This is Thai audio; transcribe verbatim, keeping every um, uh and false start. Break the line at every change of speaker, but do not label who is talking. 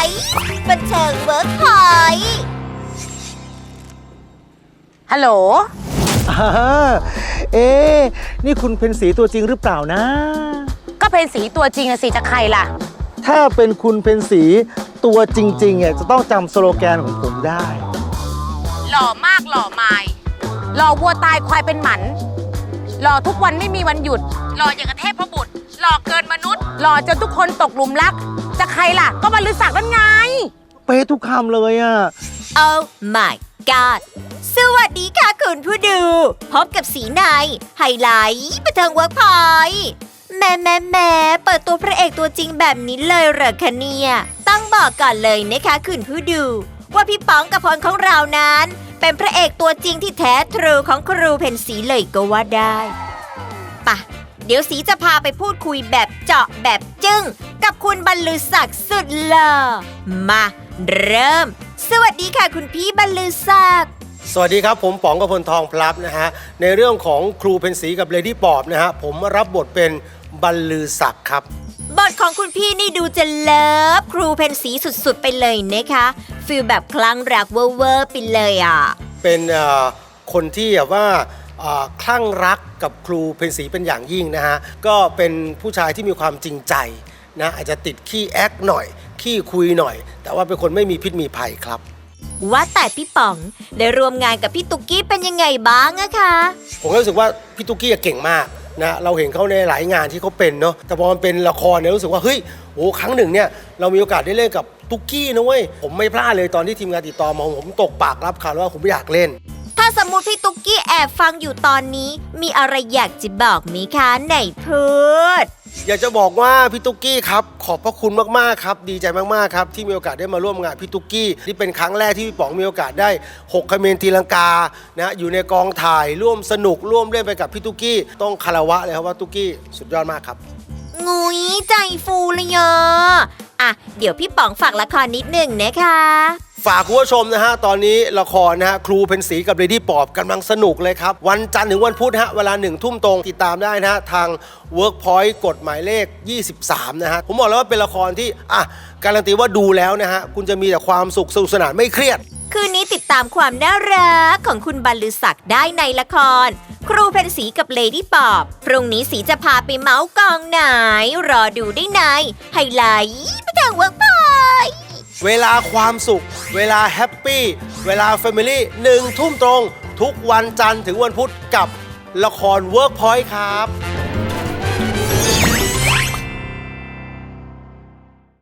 ท์บันเทิงเวิร์กพอยต์ฮัลโหล
เอ๊ะนี่คุณเพ็ญศรีตัวจริงหรือเปล่านะ
ก็เพ็ญศรีตัวจริงอะสิจะใครล่ะ
ถ้าเป็นคุณเพ็ญศรีตัวจริงๆเนี่ยจะต้องจำสโลแกนของผมได้
หล่อมากหล่อไม่หล่อวัวตายควายเป็นหมันหล่อทุกวันไม่มีวันหยุดหล่ออย่างกระเทพพระบุตรหล่อเกินมนุษย์หล่อจนทุกคนตกหลุมรักจะใครล่ะก็บรรลือศักดิ์นั่นไง
เป๊ะทุกคำเลยอ่ะ
Oh my god สวัสดีค่ะคุณผู้ดูพบกับสีในไฮไลท์บันเทิงเวิร์กพอยต์แม่แม่แม่เปิดตัวพระเอกตัวจริงแบบนี้เลยเหรอคะเนี่ยต้องบอกก่อนเลยนะคะคุณผู้ดูว่าพี่ป๋องกพลของเรานั้นเป็นพระเอกตัวจริงที่แท้ทรูของครูเพ็ญศรีเลยก็ว่าได้ปะเดี๋ยวสีจะพาไปพูดคุยแบบเจาะแบบจึ้งกับคุณบรรลือศักดิ์สุดหล่อมาเริ่มสวัสดีค่ะคุณพี่บรรลือศักดิ์
สวัสดีครับผมป๋องกพลทองพลับนะฮะในเรื่องของครูเพ็ญศรีกับเลดี้ปอบนะฮะผมรับบทเป็นบรรลือศักดิ์ครับ
บทของคุณพี่นี่ดูจะเลิฟครูเพ็ญศรีสุดๆไปเลยนะคะฟีลแบบคลั่งรักเวอร์ๆไปเลยอ่ะ
เป็นคนที่แบบว่าคลั่งรักกับครูเพ็ญศรีเป็นอย่างยิ่งนะฮะก็เป็นผู้ชายที่มีความจริงใจนะอาจจะติดขี้แอคหน่อยขี้คุยหน่อยแต่ว่าเป็นคนไม่มีพิษมีภัยครับ
ว่าแต่พี่ป๋องได้ร่วมงานกับพี่ตุ๊กกี้เป็นยังไงบ้างอะคะ
ผมรู้สึกว่าพี่ตุ๊กกี้เก่งมากนะเราเห็นเขาในหลายงานที่เขาเป็นเนาะแต่พอมันเป็นละครเนี่ยรู้สึกว่าเฮ้ยโอ้ครั้งหนึ่งเนี่ยเรามีโอกาสได้เล่นกับตุ๊กกี้นะเว้ยผมไม่พลาดเลยตอนที่ทีมงานติดต่อมาผมตกปากรับคำว่าผมอยากเล่น
ถ้าสมมุติพี่ตุ๊กกี้แอบฟังอยู่ตอนนี้มีอะไรอยากจะบอกไหมคะไหนพูด
อยากจะบอกว่าพี่ตุ๊กกี้ครับขอบพระคุณมากๆครับดีใจมากๆครับที่มีโอกาสได้มาร่วมงานพี่ตุ๊กกี้นี่เป็นครั้งแรกที่พี่ป๋องมีโอกาสได้หกเขมรตีลังกานะอยู่ในกองถ่ายร่วมสนุกร่วมเล่นไปกับพี่ตุ๊กกี้ต้องคารวะเลยครับว่าตุ๊กกี้สุดยอดมากครับ
งุยใจฟูเลยอ่ะอ่ะเดี๋ยวพี่ป๋องฝากละครนิดหนึ่งนะคะ
ฝากคุณผู้ชมนะฮะตอนนี้ละครนะฮะครูเพ็ญศรีกับเลดี้ปอบกำลังสนุกเลยครับวันจันทร์ถึงวันพุธฮะเวลาหนึ่งทุ่มตรงติดตามได้นะฮะทาง Workpoint กฎหมายเลขยี่สิบสามนะฮะผมบอกแล้วว่าเป็นละครที่อ่ะการันตีว่าดูแล้วนะฮะคุณจะมีแต่ความสุขสนุกสนานไม่เครียด
คืนนี้ติดตามความน่ารักของคุณบรรลือศักดิ์ได้ในละครครูเพ็ญศรีกับเลดี้ปอบพรุ่งนี้สีจะพาไปเมาส์กองไหนรอดูได้ในไฮไลท์บันเทิงเวิร์กพอยต์
เวลาความสุขเวลาแฮปปี้เวลาแฟมิลี่หนึ่งทุ่มตรงทุกวันจันทร์ถึงวันพุธกับละคร Workpoint ครับ